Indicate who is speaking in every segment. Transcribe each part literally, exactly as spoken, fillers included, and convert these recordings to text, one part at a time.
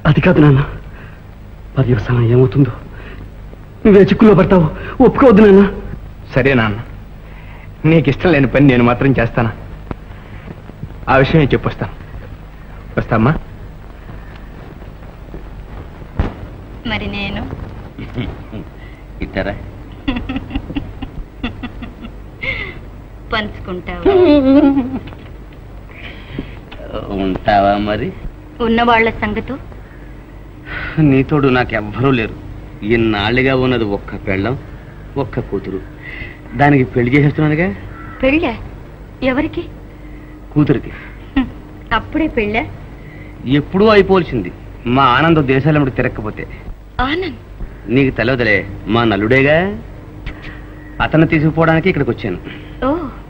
Speaker 1: అది కాదు నాన్న, పర్యవసానం ఏమవుతుందో నువ్వే చిక్కుల్లో పడతావు. ఒప్పుకోవద్దు నాన్న.
Speaker 2: సరే నాన్న, నీకు ఇష్టం లేని పని నేను మాత్రం చేస్తానా? ఆ విషయం నేను చెప్పొస్తాను. వస్తామ్మా.
Speaker 3: మరి నేను
Speaker 4: ఇద్దరా
Speaker 3: పంచుకుంటావా?
Speaker 4: ఉంటావా మరి?
Speaker 3: ఉన్నవాళ్ల సంగతో
Speaker 4: నీతోడు నాకెవ్వరూ లేరు. ఇన్నాళ్ళుగా ఉన్నది ఒక్క పెళ్ళం, ఒక్క కూతురు. దానికి పెళ్లి చేసేస్తున్నానుగా.
Speaker 3: పెళ్ళా? ఎవరికి?
Speaker 4: కూతురికి.
Speaker 3: అప్పుడే పెళ్ళా?
Speaker 4: ఎప్పుడూ అయిపోవలసింది. మా ఆనందం దేశాలమ్మడి తిరగకపోతే.
Speaker 3: ఆనంద్
Speaker 4: నీకు తెలియదులే, మా నల్లుడేగా. అతను తీసుకుపోవడానికి ఇక్కడికి వచ్చాను.
Speaker 3: ఓ,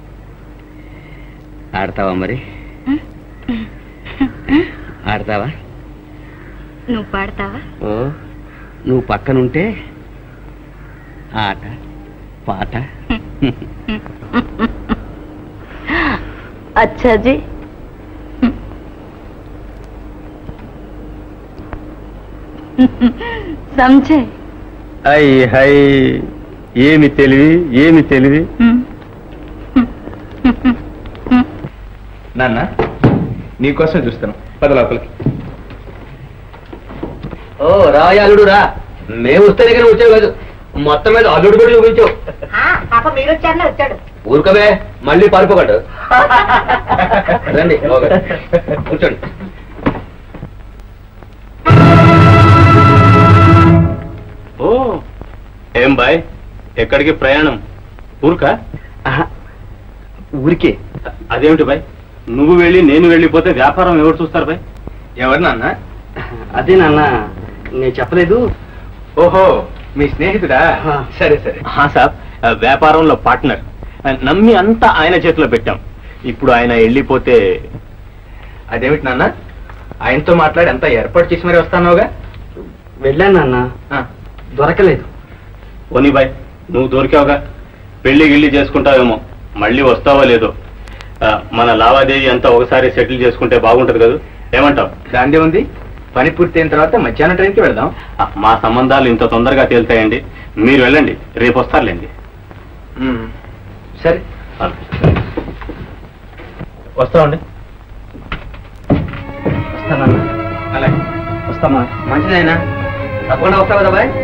Speaker 4: ఆడతావా మరి? ఆడతావా?
Speaker 3: నువ్వు పాడతావా?
Speaker 4: ఓ, నువ్వు పక్కనుంటే ఆట పాట.
Speaker 3: అచ్చాజీ, సమझे?
Speaker 2: హై హై, ఏమి తెలివి, ఏమి తెలివి. నాన్న, నీకోసం చూస్తాను. పద లోపలికి.
Speaker 4: ఓ రాయ అల్లుడు రా. మేము వస్తే దగ్గర వచ్చావు కాదు, మొత్తం మీద అల్లుడు కూడా చూపించావు.
Speaker 3: పాప మీరు వచ్చారనే వచ్చాడు.
Speaker 4: ఊరుకమే, మళ్ళీ పారిపోకడు. రండి కూర్చోండి.
Speaker 2: ఓ, ఏం బాయ్, ఎక్కడికి ప్రయాణం? ఊరుకా?
Speaker 4: ఊరికే.
Speaker 2: అదేమిటి బాయ్, నువ్వు వెళ్ళి నేను వెళ్ళిపోతే వ్యాపారం ఎవరు చూస్తారు బాయ్? ఎవరు నాన్న?
Speaker 4: అదే నాన్న, నేను చెప్పలేదు.
Speaker 2: ఓహో, మీ స్నేహితుడా? సరే సరే. సాబ్, వ్యాపారంలో పార్ట్నర్. నమ్మి అంతా ఆయన చేతిలో పెట్టాం. ఇప్పుడు ఆయన వెళ్ళిపోతే అదేమిటి నాన్న? ఆయనతో మాట్లాడి అంతా ఏర్పాటు చేసి మరి వస్తానోగా?
Speaker 4: వెళ్ళాను నాన్న, దొరకలేదు.
Speaker 2: ఓనీ బాయ్, నువ్వు దొరికావుగా. పెళ్లి గిళ్ళి చేసుకుంటావేమో, మళ్ళీ వస్తావో లేదో. మన లావాదేవీ అంతా ఒకసారి సెటిల్ చేసుకుంటే బాగుంటది కదా, ఏమంటావు? దాందే ఉంది. పని పూర్తయిన తర్వాత మధ్యాహ్నం ట్రైన్కి వెళ్దాం. మా సంబంధాలు ఇంత తొందరగా తేలుతాయండి. మీరు వెళ్ళండి, రేపు వస్తారులేండి. సరే, వస్తామండి.
Speaker 4: వస్తానన్నా.
Speaker 2: అలాగే
Speaker 4: వస్తామా? మంచిదైనా తప్పకుండా వస్తావు కదా బాయ్?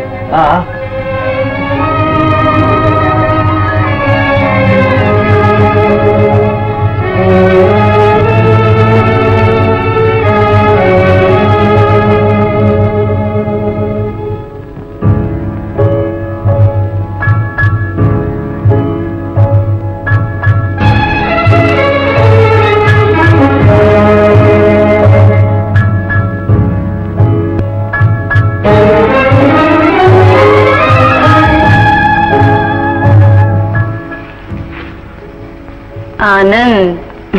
Speaker 3: ఆనంద్,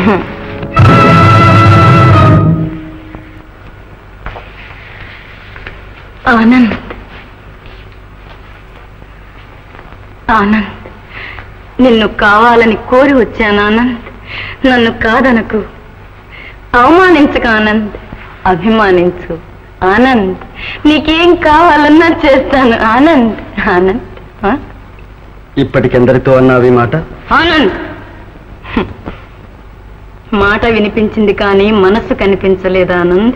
Speaker 3: ఆనంద్, ఆనంద్, నిన్ను కావాలని కోరి వచ్చాను ఆనంద్. నన్ను కాదనకు, అవమానించక ఆనంద్, అభిమానించు ఆనంద్. నీకేం కావాలన్నా చేస్తాను ఆనంద్. ఆనంద్,
Speaker 1: ఇప్పటికెందరితో అన్నావి మాట?
Speaker 3: ఆనంద్, మాట వినిపించింది కానీ మనస్సు కనిపించలేదు ఆనంద్.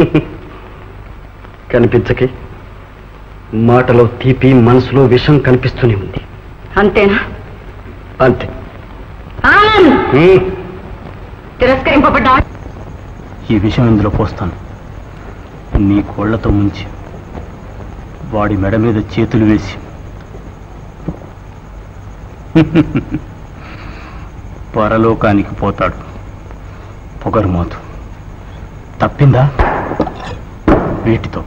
Speaker 1: కనిపించకే, మాటలో తీపి, మనసులో విషం కనిపిస్తూనే ఉంది.
Speaker 3: అంతేనా?
Speaker 1: అంతే.
Speaker 3: ఆనంద్, తిరస్కరింపబడ్డా.
Speaker 2: ఈ విషయం ఇందులో పోస్తాను. నీ కోళ్లతో ముంచి వాడి మెడ మీద చేతులు వేసి పరలోకానికి పోతాడు. పొగరుమోతు తప్పిందా? వీటితో